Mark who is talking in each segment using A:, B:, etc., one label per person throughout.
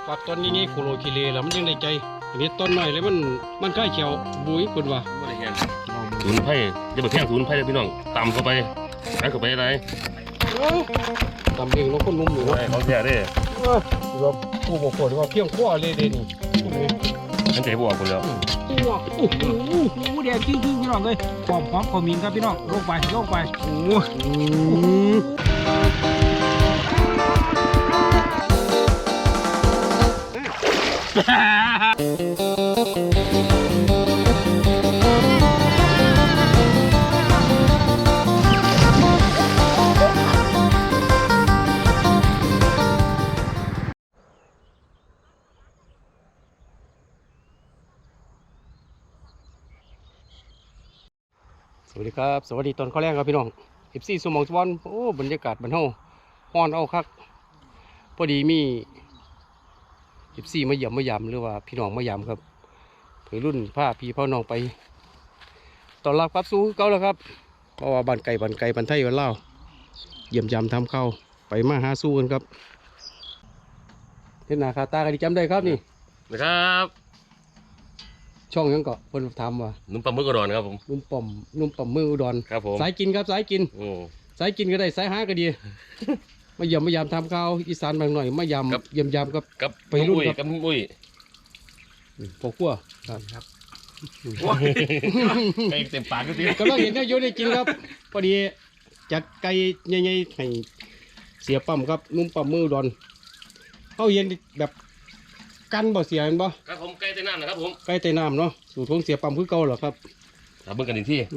A: ปักต้นนี้โคโลคิเลแล้วมันยังได้ใจอันนี้ต้นหน่อยเลยมันใกล้เขียวบุ้ยคุณว่า
B: ไม่ได้เห็นศูนย์ไผ่จะไปแข่งศูนย์ไผ่เลยพี่น้องตำเข้าไปใส่เข้าไปอะไร
A: ตำเองแล้วคนนุ่มอยู่นะ
B: เขาแย่ได้
A: เราผู้บอกคนว่าเพียงขั้วเลยเดนี่
B: ฉันใจบวกคนแล้ว
C: ตัวโอ้โหแดงจริงพี่น้องเลยหอมขมิ้นครับพี่น้องโลกไปโ
A: สวัสดีครับสวัสดีตอนข้าวแรงครับพี่น้อง14 ชั่วโมงสวรรค์โอ้บรรยากาศบันเทาฮ้อนเอาคักพอดีมี14มาเยี่ยมมายามหรือว่าพี่น้องมายามครับเผยรุ่นผ้าพี่พ่อน้องไปตอนรับครับสู้เก่าแล้วครับเพราะว่าบ้านไก่บ้านไทยบ้านลาวเยี่ยมยามทำเข้าไปมาหาสู้กันครับเห็นหน้าคาตากันดีจำได้ครับนี่
B: นะครับ
A: ช่องยังเกาะเพิ่นทำว่า
B: นุ่มปลาหมึกอุดรครับผม
A: นุ่มป่อมมืออุดร
B: ครับผม
A: สายกินครับสายกินก็ได้สายหาก็ดีมายามทำข้าวอีสานบางหน่อยมายามเยี่ยมยามกับไปรุ่น
B: กับมุ้ย
A: พวกขั้วครับ
B: ไก่เต็มปากก็ดี
A: ก็ต้องเห็นได้โยนได้กินครับพอดีจัดไก่ใหญ่ๆให้เสียปั๊มครับนุ่มป่อมมืออุดรเขาเห็นแบบกันบ่เสียเห็นบ่
B: ครับผมไก่ใต้น้ำนะครับผม
A: ไก่ใต้น้ำเนาะสูตรของเสียปั๊มคือเก่าเหรอครับ
B: ถามเบิ่งกันอีกที่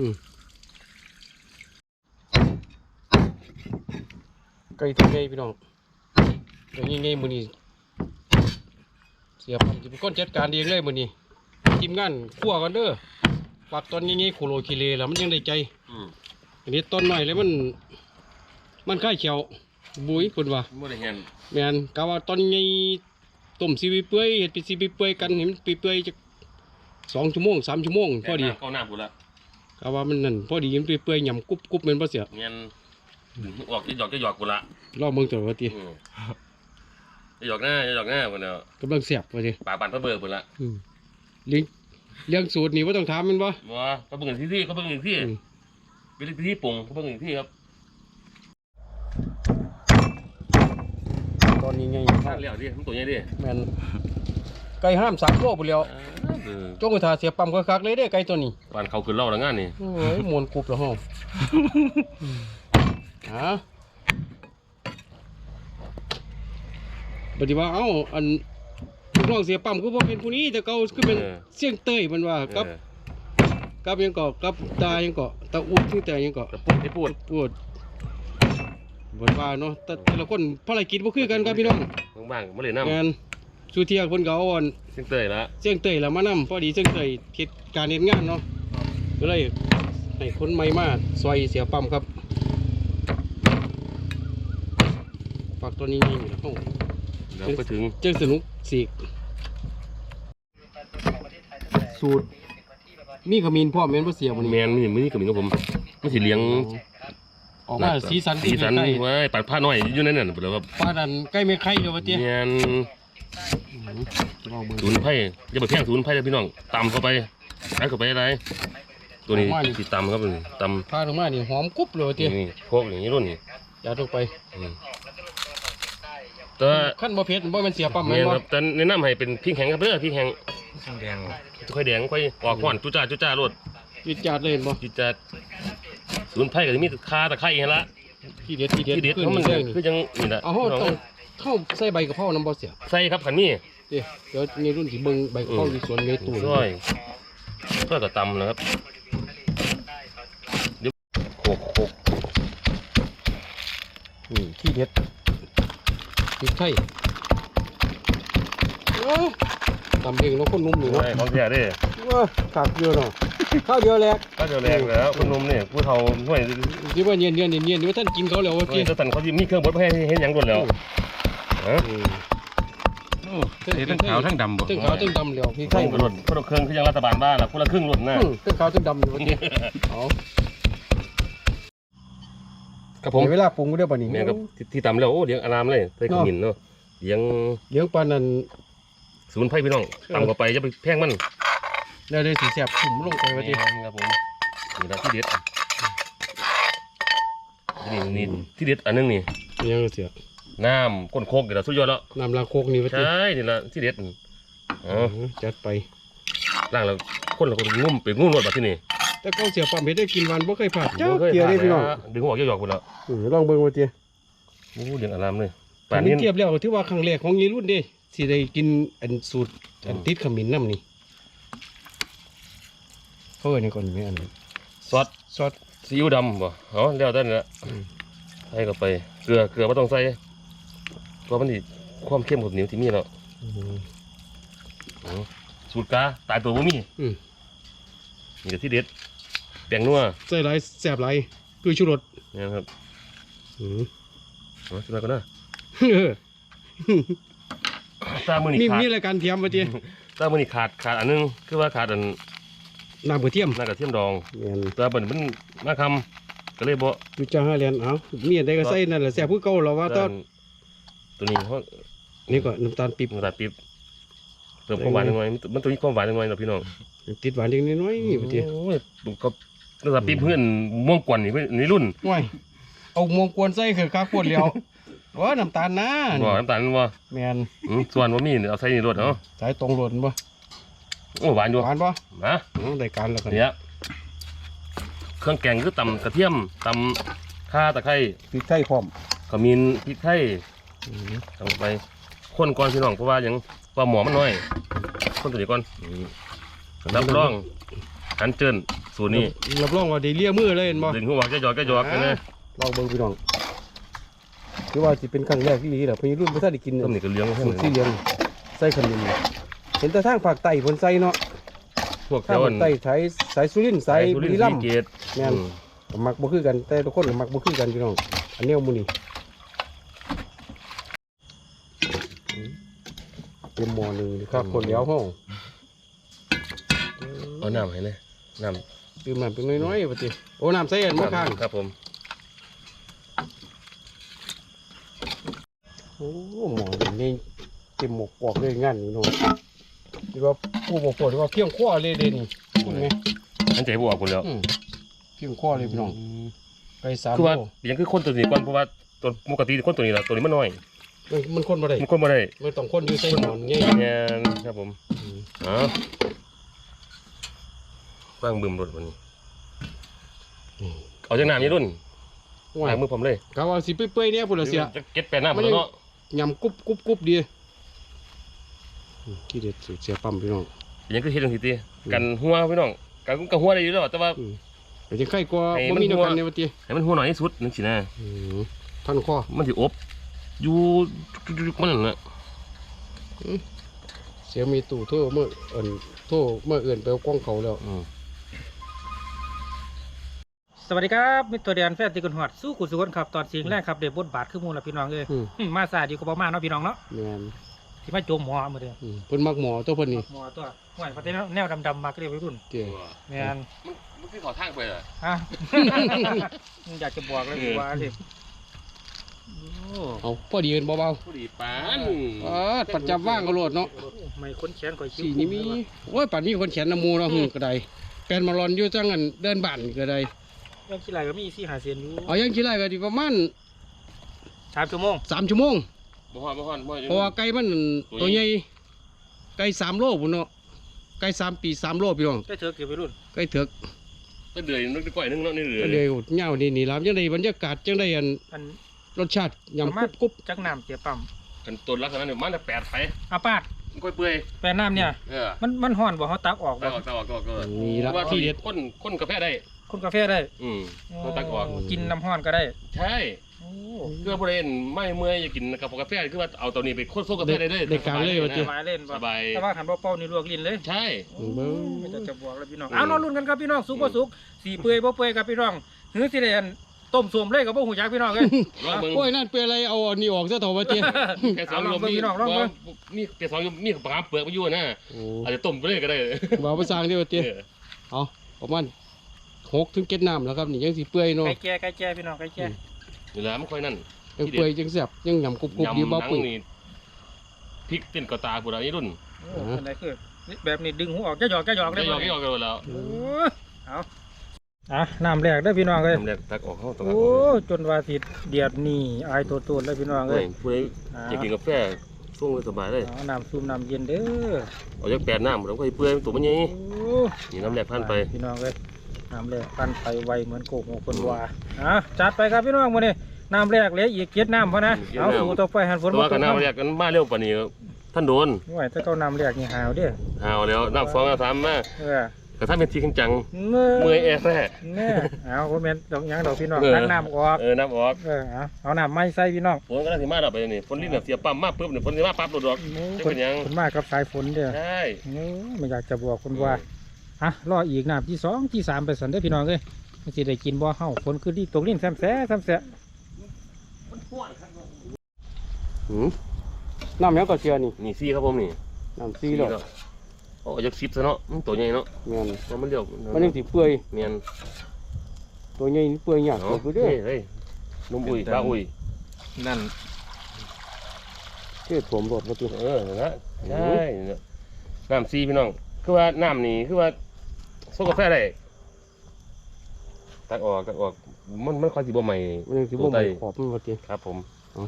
A: ไก่ตัวใหญ่พี่น้องตัวใหญ่ๆมื้อนี้เสียปั๊มจะเป็นคนจัดการเองเลยมื้อนี้ทีมงานคั่วกันเด้อปักต้นใหญ่ๆโคโลคิเลแล้วมันยังได้ใจอันนี้ต้นหน่อยเลยมันใกล้เขียวบุ้ยคุณว่า
B: ไม่ได้เห็น
A: แม่นกะว่าต้นใหญ่ต้มซีบีเปื่อยเห็ดเป็นซีบีเปื่อยกันเห็นเปื่อยจะ2 ชั่วโมง 3 ชั่วโมงพอดี
B: เข้าหน้ากูละ
A: กะว่ามันนั่นพอดียังเปื่อยหย่ำกุบเหมือนบ่เสีย
B: เงี้ยออกจะหยอกกูละ
A: รอบเมืองตัวว่าตี
B: จะหยอกหน้าคนเดียว
A: กำลังเสียบว่าตี
B: ปากปั่นพระเบิกหมดละ
A: เลี้ยงสูตรนี่ว่าต้องถามมันบ่
B: เขาเบิ่งที่เขาเบิ่งที่เป็นที่ปรุงเขาเบิ่งที่ครับ
A: ตอนนี้ไง
B: ข้างเลี้ยวดิมันตัวใหญ่ดิ
A: แม่นไก่ห้าม3 โลไปแล้วจงกระทาเสียปั๊มคักๆเลยเด้ไก่ตัวนี้
B: บ้านเขาขึ้นเล่าแล้วงานนี่
A: โอ้ยมวนกรุบแล้วฮะปฏิบัติอันลูกน้องเสียปั๊มคือบ่เป็นผู้นี้แต่เขาคือเป็นเสียงเต้ยมันว่ากับยังเกาะกับตายังเกาะตาอุดที่แต่ยังเกาะ
B: พูด
A: บนว่าเนาะแต่ละคนภารกิจบ่คือกันครับพี่น้อง
B: บางไม่เลยน้ำ
A: งานสุเทียคนเขาอ่อน
B: เสียงเตย
A: แล้วมานำพอดีเสียงเตยเฮ็ดการเฮ็ดงานเนาะก็เลยให้คนใหม่มาซอยเสียปั๊มครับฝากตัวนี้นี่แล้ว
B: ไปถึง
A: เจ้าสนุกสีกสูตรมีขมิ้นพ่อแม่นบ่เสียบ่นี่
B: แม่นมีขมิ้นกับผมมันสิเลี้ยง
A: ออกมาสีสัน
B: ไว้ปัดผ้าน้อยอยู่นั่นน่ะแล้วครับ
A: ป้าดันใกล้ไม่ไข่เดี๋ยวว่าเตี้ย
B: แม่นศูนย์ไผ่จะไปแข่งศูนย์ไผ่เลยพี่น้องตำเข้าไปใส่เข้าไปอะไรตัวนี้สิตำครับตำ
A: ผ้าลงมานี่หอมกรุบเลยเตี้ย
B: นี่พวกอย่างนี้รุ่นนี่
A: ยาลงไป
B: แต่
A: ขั้นบ่เผ็ดบ่มันเสียปั๊มแม่นบ่
B: แต่แนะนำให้เป็นพริกแห้งครับเด้อพริกแห้งแดงค่อยแดงค่อยออกหวานจุ๊จ้ารส
A: จุ๊จ้าเลยบ่
B: จุ๊จ้าศูนย์ไผ่ก็จะมีคาตะไคร้เห็นละ
A: ที่เด็ด
B: เพราะมันคือจังนี่แหละ
A: เข้าใส่ใบกะเพราน้ำบ่เสีย
B: ใส่ครับขันนี่
A: เดี๋ยวในรุ่นที่เบิ่งใบกะเพราที่สวนเมตูน
B: ช่วยก็ตำนะครับเดี๋ยวโคก
A: ที่เด็ดพริกไทยตำเองแล้วคนนุ่มอยู่
B: เนาะเขาแย่ดิ
A: ขาดเยอะเนาะข้าวเดียวแหลก
B: แล้วคนนุ่มเนี่ยผู้เฒ่าห่วย
A: ที่ว่าเนียนว่าท่านกินเขาแล้วว่ากิน
B: ท่านเขาจะมีเครื่องบดให้เห็นอย่างด่วนแล้ว
C: ทั้งขาวทั้งดำบ่
A: ทั้งขาวทั้งดำแล้วพี่ไทย
B: รุ่นคนละเครื่องคือยังรัฐบาลบ้านละคนละครึ่งรุ่นนะ
A: ทั้งขาวทั้งดำอยู่ว่ากิน
B: ครับผม
A: เวลาปรุงก็ได้ป่ะนี่
B: แม่ครับที่ตำแล้วโอ้เลี้ยงอารามเลยใส่ขมิ้นเนาะเลี้ยง
A: เลี้ยงปลานั่น
B: สมุนไพรพี่น้องตำเข้าไปจะไปแพงมัน
A: แล้วได้สีแสบถุ่มลงไปว่าติ
B: ครับผมนี่ละที่เด็ดนี่ที่เด็ดอันนึงนี่
A: ยังเสีย
B: น้ำก้นโคกนี่ละสุดยอดแล้ว
A: น้ำล้างโคกนี่ว่าติ
B: ใช่นี่ละที่เด็ดอ๋อ
A: จัดไป
B: ล่างแล้วคนเราก็งุ่มไปงุ่มรถแบบที่นี่
A: แต่ก็เสียปั๊มเฮ็ดได้กินวันบ่เคยพลาดจ้าเกียร์ได้พี่น้อง
B: ดึงหัวเกี่ยวหยอกไปแล้ว
A: ลองเบิ่งว่าติ
B: โอ้เลี้ยงอารามเลย
A: ป่านนี้เทียบแล้วถือว่าครั้งแรกของยีรุ่นเด้สิได้กินอันสูตรอันติดขมิ้นน้ำนี่เขาเอิ้นหยังก่อนแม่อันนี้
B: ซอส
A: ซอส
B: ซีอิ๊วดำบ่เอาแล้วได้แล้วใส่เข้าไปเกลือไม่ต้องใส่เพราะมันนี่ความเข้มของเหนียวที่มีแล้วสูตรกาตายตัวบ่มีนี่ก็ที่เด็ดแป้งนัว
A: ใส่หลายแซ่บหลายคือชูรส
B: นี่ครับ
A: อืม
B: เอาขึ้นมาก่อนนะ
A: เออ
B: ตามือนี่
A: มี
B: ขาด
A: มีรายการเทียมว่าติ
B: ตามือนี่ขาดอันนึงคือว่าขาดอัน
A: น้ำกระเทียม
B: น่ากระเทียมดอง
A: แม่น
B: แตัวามันมาคำก็เลยบ่
A: อยู่จ้าห้าเหรียญเอามีอันใดก็ใส่นั่นแหละแซ่บคือเก่าแล้วว่าตอน
B: ตัวนี้เพราะ
A: นี่ก็น้ำตาลปี๊บ
B: น้ำตาลปี๊บเติมความหวานหน่อยมันตัวนี้ความหวานหน่อยนะพี่น้อง
A: ติดหวานเล็กน้อยนี่ว่าติ
B: โอ้ยก็น้ำตาลปี๊บเพื่อนม่วงกวนนี่รุ่น
A: ว้ายเอามวงกวนใส่คือคักปวดแล้วว่าน้ำตาลนะ
B: บ่น้ำตาลบ่
A: แม่น
B: ส่วนว่ามีเอาใส่ในรถเนาะ
A: สายตรงหล่นบ่
B: โอ้หวานอยู่
A: หวานบ่
B: นะ
A: ได้การแล้วกัน
B: เนี่ยเครื่องแกงคือตำกระเทียมตำข่าตะไคร้
A: พริกไทยพร้อม
B: ขมิ้นพริกไทยทำไปคนก่อนพี่น้องเพราะว่ายังว่าหมอมันน้อยคนตัวนี้ก่อนรับรองหันเจินสูตรนี้
A: รับรองว่าได้เลียมือเลยเห็นบ่
B: ดึงหัวแกหยอกกันนะ
A: ลองเบิ่งพี่น้องคือว่าสิเป็นครั้งแรกที่ดีแหละเพิ่นรุ่นบ่ทันได้กิน
B: ต้มนี่ก็เลี้ยงให้
A: สูตรที่เลี้ยงใส่ขมิ้นเห็นแต่ทางภาคใต้เพิ่นใส่เนาะ
B: พวก
A: ทาง
B: เจ้า
A: ภาคใต้ใช้สายสุรินทร์สายบุรีรัมย์
B: เกต
A: แม่นก็มักบ่คือกันแต่ทุกคนก็มักบ่คือกันพี่น้องอันนี้เอามื้อนี้เตรียมหม้อหนึงนี่ครับคนแล้วห้อง
B: เอาน้ำให้เลยน้
A: ตื่มน้ำเป็นน้อยๆว่าติโอ้น้ำใส่อัน
B: ำ
A: บ่ข้าง
B: ครับผม
A: โอ้หม้อนี่เต็มหมกกอกเลยงานนี่เนาะหรือว่าผู้บ่ปวดว่าเพียงคอเลยเด้นี่เห็นไหม
B: อันใจบวกคนแล้ว
A: เพียงคอเลยพี่น้องไก่3
B: คือว่า
A: โล
B: อย่างคือคนตัวนี้ก่อนเพราะว่าตัวปกติคนตัวนี้ละตัวนี้มันน้อย
A: มันคนบ่ได้
B: มันคนบ่ได้
A: มันต้องคนอยู่ใส่หมอนใหญ่
B: เนี่ยครับผมอ๋อว่างบึมรถวันนี้เอาจากน้ำนี่รุ่น
A: ว่า
B: ล้างมือผมเลย
A: เขาว่าสิเปื่อยๆเนี่ยพุ่นละเสีย
B: จะเก็ตแปดน้ำหมดแล้วเนาะ
A: ยำกุบดีที่เด็ดเสียปั๊มพี่น้อง
B: อย่างคือเฮ็ดจังซี่ติกันหัวพี่น้องกันหัวได้อยู่แล้วแต่ว่า
A: แต่จะไข่กว่า
B: ให้
A: บ่
B: มัน
A: มีเดียว
B: หัว
A: กันเนี่ยว่าติ
B: ให้มันหัวหน่อยที่สุดนึงสินะ
A: ท่านข้อ
B: มันสิอบอยู่จุกๆมันนั่นน่ะ
A: เสียมีตู่โทรเมื่อโทรเมื่อเอื่นไปเอากล้องเขาแล้ว
C: สวัสดีครับมิตรตัวเดียนแฟนติกุนหอดสู้กุศลครับตอนเสียงแรกครับเดบบทบาทคือหมูลละพี่น้องเลยมาสายดีกว่าประมาณเนาะพี่น้องเนาะ
A: แม่น
C: ที่มาโจมหมอมือเดียว
A: เพิ่นมักหมอตัวเพิ่นนี่
C: หมอตัวห่วยประเทศแนวดำๆมาก็เรียกวัยรุ่น
A: เจ้
C: แมน
B: มันคือขอทางไปเหรอ
C: ฮะ อยากจะบอกเลยว่าเด็ก
A: เอาพอดีเอิ้นเบา
B: ผู้ดีปาน
A: ปัดจับว่างก็โลดเนาะ
C: ไม่ค้นแขนก่อยคิ้ว
A: สีนี้มีโอ้ยป่านนี้คนแขนน้ำมูเนาะก็ได้แปลนมารอนอยู่จังอันเดินบ้านก็ได้
C: ยังขี้ไหลก็มี4-5เซนอยู่
A: เอายังคิดไรก็ดีประมาณ
C: 3 ชั่วโมง
A: 3 ชั่วโมง
B: บ่ฮอดบ่
A: เพราะว่าไก่มันตัวใหญ่ไก่3 โลพุ่นเนาะไก่3 ปี 3 โลพี่น้อง
C: ได้เถอะเก็บวัยรุ่น
A: ไก่เถือก
B: ก็เดือยนึกก้อยนึงเนาะนี่เดือ
A: ก็
B: ย
A: เลยเหงานี่ล่ะจังได๋บรรยากาศจังได๋อัน
C: อัน
A: รสชาติยำกรุบ
C: จักน้ำเจียปั๊ม
B: กันต้นลักษณะนี้มันจะ8ไผ
C: อาปาด
B: มันก้อยเปื่อย
C: แปลน้ำเนี่ย มันห่อนบ่เขาตักออกบ่
B: ตาออก
A: ๆนี่ละ
B: ว่า
A: ที่
B: ที่
A: เด็ด
B: คนกาแฟได้
C: คนกาแฟได้
B: ต้องตักออก
C: กินน้ำห่อนก็ได้
B: ใช่เพื่อบริเวณไม่เมื่อยอยากกินกาแฟคือว่าเอาตัวนี้ไปโคตรโซ่กาแฟได้เลย
A: ได้การเลยว่าติ
C: สบายเล่นบ่
B: สบาย
C: แต่ว่าหันบ่เป้านี่ลวกลิ้นเลย
B: ใช่
A: เบิ่ง
C: ไม่จะบอกแล้วพี่น้องเอานอนลุ้นกันครับพี่น้องสุกบ่สุกสีเปื่อยบ่เปื่อยครับพี่น้องหือสิได้อันต้มส้มเลยกับบ่หูจักพี่น้องเอ้ย
B: ลองเบิ่ง
A: โอ้ยนั่นเป็นอะไรเอาอันนี้ออกซะเถอะว่าติ
B: แค่สองมีแค่สองมีปลาเปลือกมาอยู่นะ
A: โอ้
B: อาจจะต้มไปเลยก็ได้
A: บ่าวภาษาอังกฤษว่าติเอาประมาณ6 ถึง 7 น้ำแล้วครับนี่ยังสิเปื่อยเนาะ
C: ไก่แก่พี่น้องไก่แก่
B: นี่แหละมันค่อยนั่น
A: ยังเปื่อยยังแซ่บยังยำกรุบๆดีบ่
B: หนัง
A: ปุ๋ย
B: นี่พริกเต้นกระตาผู้ใดนี่รุ่น
C: โอ้เป็นไรคือแบบนี้ดึงหัวออกจะหยอก
B: ได้
C: ได้
B: ยอกกันแล้ว
C: โอ้เอาน้ำแรกได้อพี่น้องเลย
B: ทำแรกตักออกเข้าตัว
C: โอ้จนว่าสิเดียดนี่อายตัวเลยพี่น้องเล
B: เฮ้
C: ย
B: ยผู้ใดอยากกินกาแฟส่งสบายเลย
C: เอาน้ำซุปน้ำเย็นเด้อ
B: เอาจาก8น้ำแล้วก็เปื่อยตัวมันใหญ่
C: โอ้
B: นี่น้ำแรกพันไป
C: พี่น้องเลยน้ำแรกพันไปไวเหมือนโกกของคนว่าจัดไปครับพี่น้องมื้อนี้น้ำแรกเหลืออีก7น้ำพอนะเอาสู่ต่อไปหันฝน
B: แต่ว่ากันน้ำแรกกันมาเร็วปานนี้ท่านโดน
C: ไหวถ้าเขาน้ำแรกนี่หาวเด้อ
B: หาวแล้วน้ำ2น้ำ3มา
C: เออ
B: แต่ถ้าเป็นทีจัง
C: เมื่
B: เมื่อยแอร์แท้
C: แน่เอาบ่แม่นดอกหยังดอกพี่น้อง
B: เออ
C: ตักน้ำออก
B: น้ำออก
C: เอาน้ำไม่ใส่พี่น้อง
B: ฝนก็ได้สิมาดับไปนี่ฝนลิ้นเสียปั๊มมาปุ๊บเนี่ยฝนสิมาปั๊บโดดดอก จะเป็นหยัง
C: คนมากกับสายฝนเด้อ
B: ใช่
C: ไม่อยากจะบอกคนว่ารออีกน้ำที่2ที่3ไปสันเด้อพี่น้องเอ้ยมันสิได้กินบ่เฮาฝนคือที่ตกลิ้นแซมแซ่
A: น้ำยังก็เชียร์นี่
B: นี่ซี่ครับผมนี่
A: น้ำซีแล้ว
B: โอ้ยัก10ซะเนาะตัวใหญ่เนาะ
A: เงี้ย
B: เพราะมันเรียว
A: มันยังสิเปื่อย
B: เมียน
A: ตัวใหญ่นี่เปื่อยยาก
B: เนาะ
A: เกิดเด้อ
B: เฮ้ยนุ่มอุ้ยปลาอุ้ย
C: นั่น
A: เทศผมรถมาตัว
B: นะใช่น้ำซี่พี่น้องคือว่าน้ำนี่คือว่าโซกาแฟได้ตักออกมันค่อยสิบ่ใหม่
A: มันยังสิบ่มีขอบมันว่าติ
B: ครับผม
A: อ๋อ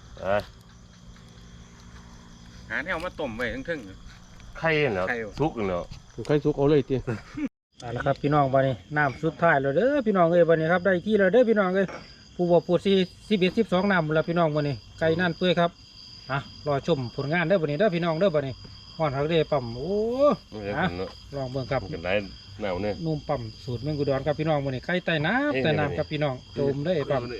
D: หาแนวมาต้มไว้ทึ่ง
B: ไข่เนาะ
D: ไข่
B: สุกเนาะ
A: ใครสุกเอาเลยติ
C: เอาละครับพี่น้องบัดนี้น้ำสุดท้ายแล้วเด้อพี่น้องเอ้ยบัดนี้ครับได้ที่แล้วเด้อพี่น้องเอ้ยผู้บ่ปูด11 12น้ำแล้วพี่น้องบัดนี้ไก่นั่นเปื่อยครับรอชมผลงานเด้อบัดนี้เด้อพี่น้องเด้อบัดนี้ฮ้อนฮักเด้ปั๊มโอ้
B: เนาะ
C: ลองเบิ่งครับ
B: กันได้หนาวเนี่ย
C: นุ่มปั๊มสูตรเมืองกุดรครับพี่น้องบัดนี้ไก่ใต้น้ำครับพี่น้องโจมได้ปั๊ม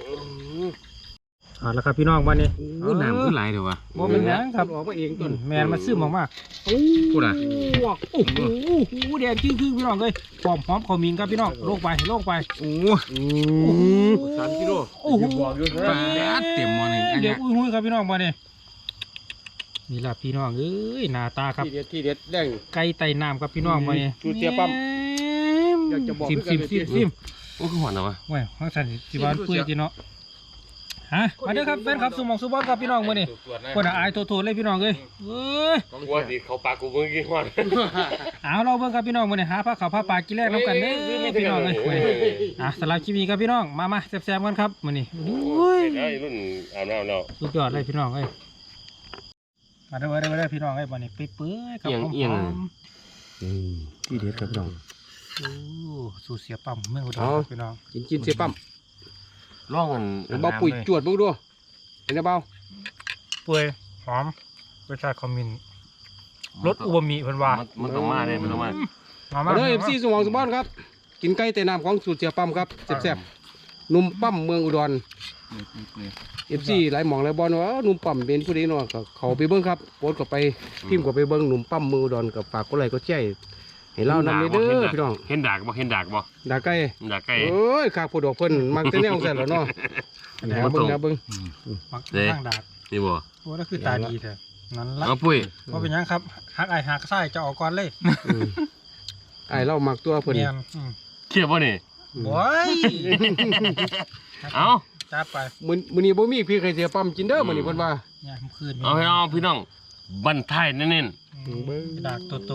C: เอาละครับพี่น้องบัดนี้
D: น้ำขึ้นไหลเดี๋ยววะ
C: บ่เป็นหยังครับ
A: ออกมาเองต้น
C: แมนมันซึมออกมา
D: พูดอ่ะ
C: โอ้โหแดงคือพี่น้องเลยหอมขมิ้นครับพี่น้องลงไป
D: โอ้
A: 3 กิโล
C: โอ้โห
D: ปลาเต็มหม้อหนึ่งอัน
C: เดี๋
D: เนี้
C: ยวย อุ้ยครับพี่น้องมาเนี่ยนี่ล่ะพี่น้องเอ้ยหน้าตาครับ
A: ที่เด็ดแดง
C: ไก่ไต่น้ำครับพี่น้องมาเนี่ย
A: สูตรเสียปั๊มอยากจะบอก
C: ซิม
B: โอ้คือหวานเหรอวะ
C: ว้ยข้างสันสิบานเปื่อยจีเนาะมาเด้อครับแฟนครับสมองสุบอลครับพี่น้องมาเนี่ยคนอายโถเลยพี่น้องเลยเอ้ย
B: ว่าสิเขาปากกูเมื่อกี้หวาน
C: เอาเราเบิ่งครับพี่น้องมาเนี่ยหาผ้าขาวผ้าปลากินแรกน้ำกันเด้อพี่น้องเลยสำหรับคลิปนี้ครับพี่น้องมาแซ่บๆกันครับมานี่อุ้ย
B: ได้รุ่นอาบน้ำแล้ว
C: สุดยอดเลยพี่น้องเอ้ยมาเด้อพี่น้องเอ้ยวันนี้เปื่อยๆครับหอม
A: ที่เด็ดครับพี่น้อง
C: ๆโอ้สูตรเสียปั๊มเมืองอุดรครับพี่น้อง
A: กินเสียปั๊ม
B: ร่องกัน
A: เบาปุ๋ยจวดมึงดูเห็นไหมเบา
C: เปื่อยหอมรสชาติคอมมินรสอูมามิเพิ่นว่า
B: มันต้องมาเลยมันต้องมา
C: มา
A: เด้อ FC สมองสมบ้านครับกินไก่แต่น้ำของสูตรเสียปั๊มครับแซ่บๆนุ่มปั๊มเมืองอุดร FC หลายหม่องหลายบอลว่านุ่มปั๊มเป็นผู้ใดเนาะก็เขาไปเบิ่งครับโพสต์ก็ไปพิมพ์ก็ไปเบิ่งนุ่มปั๊มเมืองอุดรกับฝากกดไลค์กดแชร์ให้เรานำเด้อพี่น้อง
B: เห็นดากบ่เห็นดากบ่
A: ด่าไก่
B: ดากไก่
A: เอ้ยข้าผู้ดอกเพิ่นมักแต่แนวซั่นแหล้วเนาะหาเบิ่ง
C: มักข้างดาด
B: นี่บ่
C: โอ้นั่นคือตาดีแท้นั่นละ
B: เอาปุ้ย
C: ว่าเป็นหยังครับหักไอหักไส้จะออกก่อนเลย
A: ไอ้เรามักตัวเพิ่น
C: เนียน
B: เขียบบ่นี่
C: โอ้ย
B: เอา
C: จัดไป
A: มื้อนี้บ่มีพี่ใครเสียปั๊มกินเด้อมื้อนี้เพิ่นว่า
C: เนี่ยมันคืน
B: เอาให้เอาพี่น้องบันทายเน้น
C: ดากโต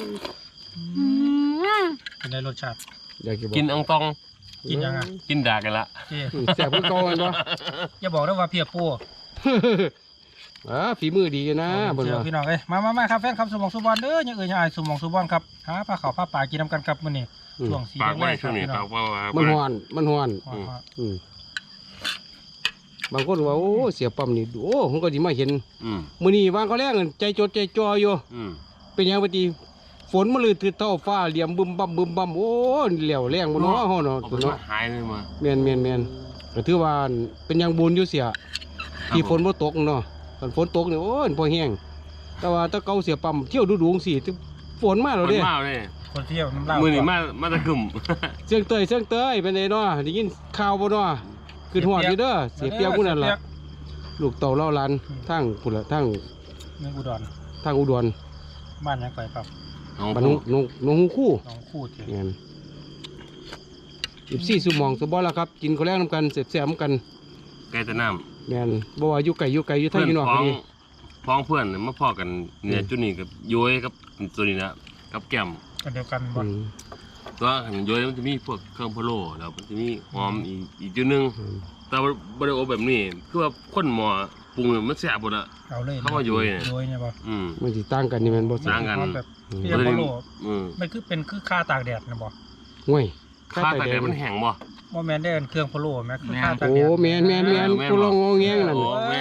C: เป็นไงรสชาติ
A: อยากจะบอ
B: ๆกินอังตอง
C: กินยังไง
B: กินดากกันละ
C: เจ๊
A: แซ่บเพิ่นเก่าแม่นบ่
C: อย่าบอกได้ว่าเพียปู
A: ฝีมือดีอยู่นะเพิ่น
C: เจอ
A: ว่า
C: พี่น้องเอ้ยมาครับแฟนครับสมองสุบอลเด้อยังยังอายสมองสุบอลครับหาผ้าขาวผ้าป่ากินน้ำกันครับมื้อนี้ช่วงสี
B: ปาก
C: แร
B: ไว้
C: กค
B: ช่
C: รั
B: ว
C: บ
B: งนี้
C: พี่น้
B: ปา
C: อก ง
B: ว่า
A: มันฮ้อนมันฮ้อน
C: ว่า
A: บางคนว่าโอ้เสียปั๊มนี่โอ้ผมก็สิมาเห็น
B: อืม
A: มื้อนี้วางก็แรงใจจดใจจ่ออยู่
B: อืม
A: เป็นหยังปฏิฝนมันลืดถือเท่าฟ้าเหลี่ยมบึมบั่มโอ้เหลี่ยวแรงบ่เนาะเฮาเนาะ
B: เอา
A: ตัว
B: ไป
A: เนาะ
B: หายเลยมา
A: แม่นก็ถือว่าเป็นหยังบุญอยู่เสียที่ฝนบ่ตกเนาะคันฝนตกนี่โอ้ยพอแห้งแต่ว่าถ้าเก่าเสียปั๊มเที่ยวดูๆจังซี่ฝนมาแล้วเด้
B: มันมาเลย
C: คนเที่ยวน้ำลาย
B: มือนี่มาตะกึ่ม
A: เสียงเตยเป็นไงเนาะได้ยินข่าวบ่เนาะคือหอดอยู่เด้อเสียเปรียบผู้นั้นล่ะลูกเต่าเล่าหลานทั้งพุ่นละทั้ง
C: เมืองอุดร
A: ทั้งอุดร
C: บ้านยังไงครับ
B: เอา
A: บ้านนงฮูคู่
C: น้องคู่เถอะ
A: แม่น14ชั่วโมงสบ่ล่ะครับกินข้าวแลงนํกันแซ่บๆนํกัน
B: ไก่ตะน้
A: แม่นบ่ว่าอยู่ไกลอยู่
B: ำ
A: ทางอยู่นอก
B: ข
A: ก็
B: อง
A: ดี
B: พ้องเพื่อนมาพอกันเนี่ยจุดนี้กับย้อยกับตัวนี้นะกับแก้ม
C: อันเดียวกันบ่
B: ตัวหันย้อยมันจะมีพวกเครื่องพะโล้แล้วมันจะมีหอมอีกจุดนึงแต่ว่าบริโอแบบนี้คือว่าคนหมอปรุงมันแซ่บหมดอะ
C: เอาเลย
B: เข้ามาโยยเนี่ย
C: โยยเนี่ยบ่
A: มันสิต่างกันนี่แม่นบ่
B: ต่างกัน
C: เอาแบบเรียกว่าโล
B: อืม
C: มันคือเป็นคือค่าตากแดดนะบ่
A: ห่วย
B: ข้าแต่มันแห้งบ่
C: บ่แม่นได้อันเครื่องพะโล้แม่คือค่าตาก
A: โอ้
C: แดด
A: แม่นกูลองงอแงงนั่น
B: โอ้แม่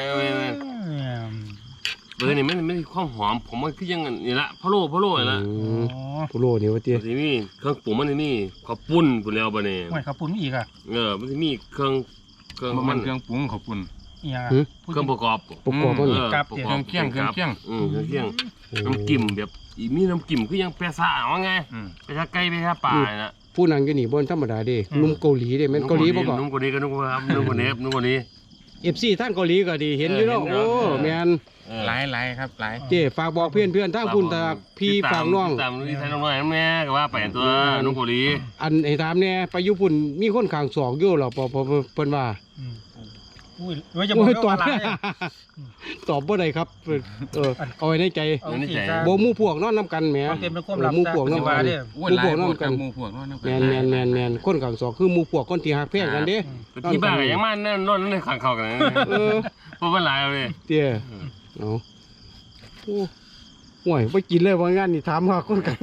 B: นี่มันมีความหอมผมมันคือยังนี่ละพะโล้นี่ละ
A: กูโลนี่ว่าติ
B: มันสิมีเครื่องปรุงมันนี่ข้าวปุ้นพุ่นแล้วบัดนี้
C: ห่วยข้าวปุ้นอีกอ่ะ
B: มันสิมีเครื่อง
D: บ่มันเครื่องปรุงขอบคุณ
C: อีหยัง
B: เครื่องประกอบ
A: ประกอบมัน
B: ประกอบ
D: เครื่องเคียง
B: เครื่องเคียงน้ำจิ้มแบบมีน้ำจิ้มคือยังแปซ่าว่าไงแปซ่าไก่แปซ่าปลาน่ะ
A: ผู้นั่งอยู่นี่บ่ธรรมดาเด้นุ่มเกาหลีเด้แม่นเกาหลีบ่ก็
B: นุ่มกว่านี้ก็นุ่มกว่าครับนุ่มกว่านี้นุ่มกว่านี้
A: FC ทางเกาหลีก็ดีเห็นอยู่เนาะโอ้แม่น
D: หลายครับหลาย
A: เจ้ฝากบอกเพื่อนทางพุ่นตาพี่ฝากน้อง
B: ตามนี่ไทยน้องน้อยแม่ก็ว่าไปตัวนุ่มกว่านี้
A: อันให้ถามแน่ไปอยู่พุ่นมีคนข้างศอกอยู่เหรอพอเพิ่นว่า
C: อุ้ยว่าจะบอก
A: โอ้ยตอบ
C: ว่าอะไร
A: ตอบบ่ได้ครับเอาไว้ในใจ
C: เอาสิซะ
A: บ่หมู่พวกนอนนํกันแหม
C: มันเป็นความลับ
A: หมู่พวกนอน
C: ว่า
A: กัน
C: เด้อ
D: โอ้ยหลายพวกกับหมู่พวกนั่น
A: แม่นคนข้างศอกคือหมู่พวกคนที่ฮักแพงกันเด้
B: ที่บ้านก็ยังมานั่นนอนนั่นข้างเขากัน
A: เออ
B: เพราะมันหลายเลย
A: เตี้ยเอาโอ้ห่วยบ่กินเลยว่างานนี่ถามหาคนกัน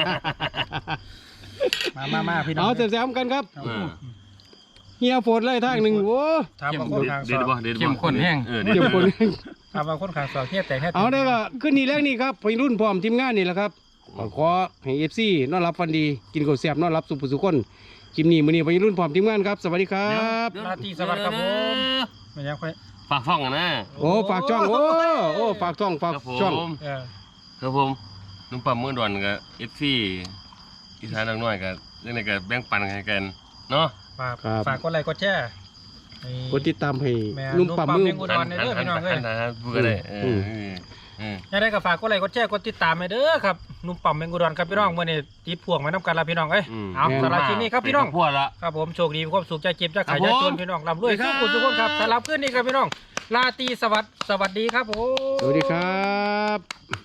C: มาพี่น้อง
A: เอาแซมๆกันครับเฮียโฟดเลยทางหนึงโอ้
C: ถามว่าคนข้างซ
B: เด็ด
C: อก
B: บ่เด็ดบ่
D: เข้มข้นแห้ง
A: เดี๋ยวคน
C: ถามว่าคนข้างซอกเฮียแต่แค่
A: เอาได้ก็ขึ้นนี่แรกนี่ครับไปรุ่นพร้อมทีมงานนี่แหละครับขอให้ FC นอนรับฟันดีกินข้าวแซ่บนอนรับสุขสุขคนคลิปนี้มื้อนี้ไปรุ่นพร้อมทีมงานครับสวัสดีครับ
C: ราตรีสวัสดิ์ครับผมไม่ยังค่อย
B: ฝากฟ้องกันนะ
A: โอ้ฝากช่องโอ้ฝากช่องฝากช่อง
C: เออ
B: ครับผมนุ่มปั๊มเมื่อดอนกับ FC อีสานน้อยกับเรื่องไหนกับแบ่งปันให้กันเนาะ
C: ฝากกดไลค์กดแชร์
A: กดติดตามให้
C: แม่
A: นุ่มปั๊มมือ
C: นุ่มปั๊ม เด้อพี่น้องเอ้ย
B: พูดกันเลย
C: ยังได้ก็ฝากกดไลค์กดแชร์กดติดตามให้เด้อครับนุ่มปั๊มเมงกุดรครับพี่น้องเมื่อนี้ติดพ่วงมานํกันละพี่น้องเอ้ยเอาสำหรับคลิปนี้ครับพี่น้อง
B: พวดละ
C: ครับผมโชคดีมีความสุขใจเจ็บใจขายใจจนพี่น้องร่ำรวยสุขทุกคนครับสำหรับคืนนี้ครับพี่น้องราตรีสวัสดิ์สวัสดีครับผม
A: สวัสดีครับ